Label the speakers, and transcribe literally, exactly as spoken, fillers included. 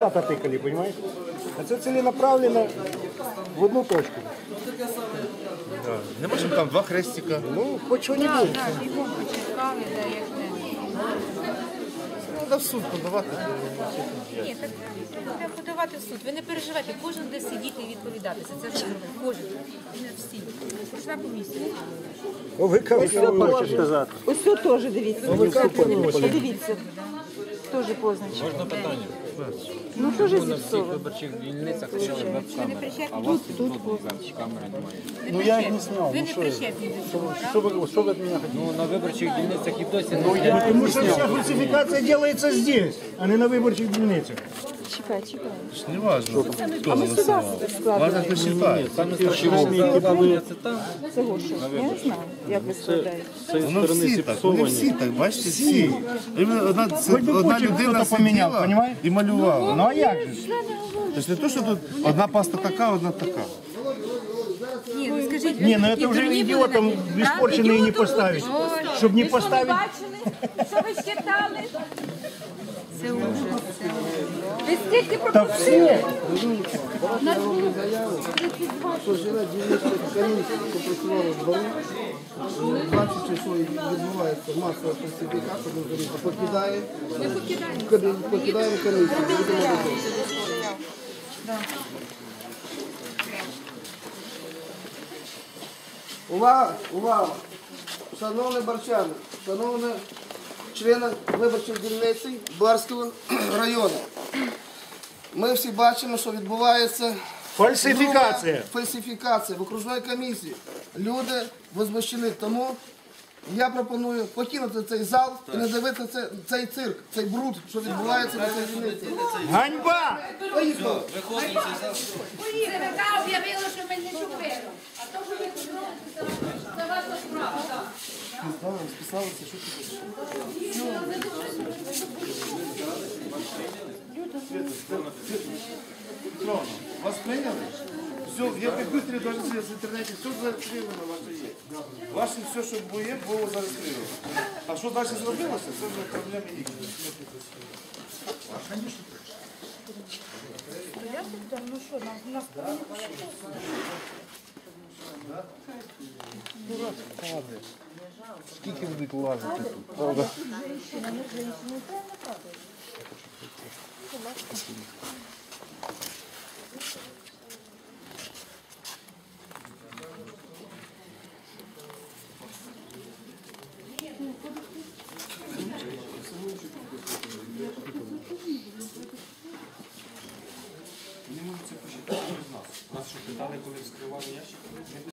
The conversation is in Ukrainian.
Speaker 1: Тата тикали, понимаешь? А це ціленаправленно в одну точку.
Speaker 2: Да. Не можемо там два хрестика.
Speaker 1: Ну, хоч що-небудь.
Speaker 3: Так, бігом почекали, да, як не.
Speaker 2: Треба в суд подавати.
Speaker 3: Ні, так треба подавати в суд. Ви не переживайте, кожен буде сидіти і відповідати. Це ж зробить. Кожен. Не всі. Кожна комісія.
Speaker 1: О, ви кажете, сказати.
Speaker 4: Ось тут теж дивіться.
Speaker 1: Ви кажете,
Speaker 4: Подивіться. Теж позначено.
Speaker 5: Можна питання?
Speaker 4: Ну теж
Speaker 5: На всіх
Speaker 4: зіпсовано.
Speaker 5: виборчих дільницях стояли веб-камери, а у вас тут жодної веб-камери немає.
Speaker 1: Ну я їх не зняв.
Speaker 3: Ви
Speaker 1: Ну
Speaker 3: не
Speaker 1: що,
Speaker 3: причетні до цього,
Speaker 1: що ви, що ви від мене хотіли?
Speaker 5: Ну, на виборчих дільницях і досі не стоять.
Speaker 1: Тому що вся фальсифікація робиться здесь, а не на виборчих дільницях.
Speaker 4: Чекай, чекай.
Speaker 2: Не важно, хто
Speaker 4: А ми сюди
Speaker 2: голосував.
Speaker 4: складемо.
Speaker 2: Важно, хто читає.
Speaker 5: Саме страшне, це там.
Speaker 4: Це Гоша. Я не знаю, як ви складаєте.
Speaker 2: Воно всі так, вони всі так, бачите, всі. Іменно Одна, це,
Speaker 1: Хоч би
Speaker 2: одна
Speaker 1: Путін
Speaker 2: людина
Speaker 1: хто-то поміняв,
Speaker 2: сиділа
Speaker 1: понімаєш?
Speaker 2: і малювала.
Speaker 1: Ну а як же?
Speaker 2: Тобто не то, що тут одна паста така, одна така.
Speaker 3: Ні, ну скажіть,
Speaker 1: Не, ну
Speaker 3: ви
Speaker 1: это
Speaker 3: такі
Speaker 1: уже
Speaker 3: дурні
Speaker 1: идиотам
Speaker 3: були, да?
Speaker 1: испорченные не поставить. Чтобы не поставить.
Speaker 6: Що ви считали?
Speaker 3: Це ужас. Це ужас.
Speaker 6: Ви стільки
Speaker 1: Да все.
Speaker 7: Що живе дільнична комісія, що працювала в дворі, бачите, що відбувається масова фальсифікація, журналіста покидає, покидає комісію. Увага, увага! Шановні барчани, шановні члени виборчої дільниці Барського району. Ми всі бачимо, що відбувається
Speaker 1: Фальсифікація.
Speaker 7: груба фальсифікація в окружній комісії. Люди возмущені. Тому я пропоную покинути цей зал і не дивитися це- цей цирк, цей бруд, що відбувається на цій дільниці.
Speaker 1: Ганьба!
Speaker 7: Поїхали!
Speaker 6: ЦВК об'явило, що ми не чупили. А то, що ви тут робите, це ваша справа.
Speaker 2: Вас прийняли? Все, я быстрее даже в интернете, все зареєстровано ваше є. Ваше все, що було, було зареєстровано. А що далі зробилося, це вже проблеми їхні. Скільки будуть лазити тут, правда? Вони можуть це почитати без нас. Нас що питали, коли вскривали ящик?